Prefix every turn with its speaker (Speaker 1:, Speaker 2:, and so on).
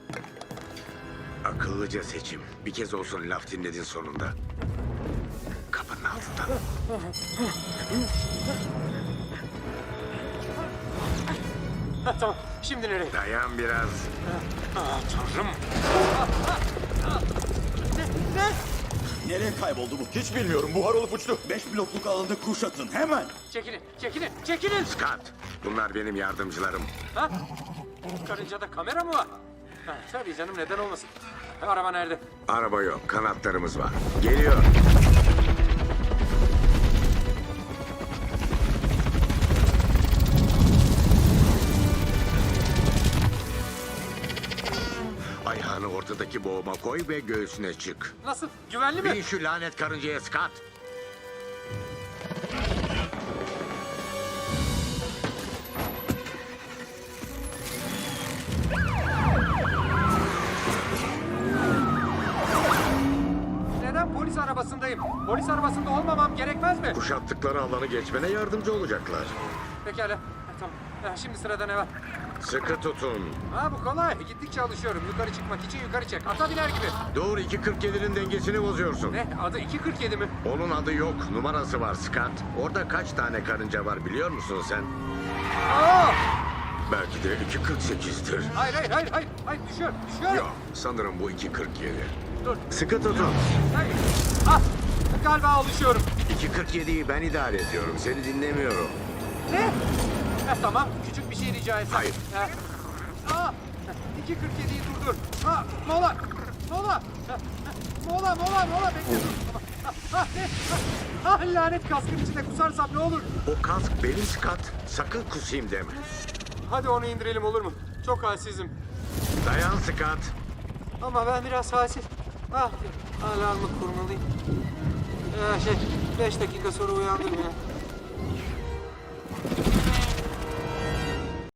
Speaker 1: Akıllıca seçim. Bir kez olsun laf dinledin sonunda. Kapının altından.
Speaker 2: Tamam, şimdi nereye?
Speaker 1: Dayan biraz.
Speaker 2: Tanrım. Ne?
Speaker 3: Nereye kayboldu bu? Hiç bilmiyorum. Buhar olup uçtu. 5 blokluk alanda kuşatın. Hemen.
Speaker 2: Çekilin.
Speaker 1: Scott, bunlar benim yardımcılarım.
Speaker 2: Ha? Karıncada kamera mı var? Ha, tabii canım, neden olmasın? Araba nerede?
Speaker 1: Araba yok, kanatlarımız var. Geliyor. Ayağını ortadaki boğuma koy ve göğsüne çık.
Speaker 2: Nasıl? Güvenli mi?
Speaker 1: Bin şu lanet karıncaya Scott.
Speaker 2: Neden polis arabasındayım? Polis arabasında olmamam gerekmez mi?
Speaker 1: Kuşattıkları alanı geçmene yardımcı olacaklar.
Speaker 2: Pekala. Tamam. Şimdi sırada ne var?
Speaker 1: Sıkı tutun.
Speaker 2: Ha, bu kolay. Gittikçe alışıyorum. Yukarı çıkmak için yukarı çek. Ata biner gibi.
Speaker 1: Doğru 2.47'nin dengesini bozuyorsun.
Speaker 2: Ne? Adı 2.47 mi?
Speaker 1: Onun adı yok, numarası var Scott. Orada kaç tane karınca var biliyor musun sen?
Speaker 2: Aa!
Speaker 1: Belki de 2.48'dir.
Speaker 2: Hayır. Düşüyor.
Speaker 1: Yok, sanırım bu 2.47.
Speaker 2: Dur.
Speaker 1: Sıkı tutun.
Speaker 2: Hayır. Ah! Galiba alışıyorum.
Speaker 1: 2.47'yi ben idare ediyorum, seni dinlemiyorum.
Speaker 2: Ne? Tamam. Küçük bir şey rica etsem.
Speaker 1: Hayır.
Speaker 2: 2.47'yi durdur. Ha, mola. Mola. Bekle dur. Ne? Lanet kaskın içinde kusarsam ne olur?
Speaker 1: O kask benim Scott, sakın kusayım deme.
Speaker 2: Hadi onu indirelim, olur mu? Çok halsizim.
Speaker 1: Dayan Scott.
Speaker 2: Ama ben biraz halsiz. Alarmı kurmalıyım. 5 dakika sonra uyandım ya.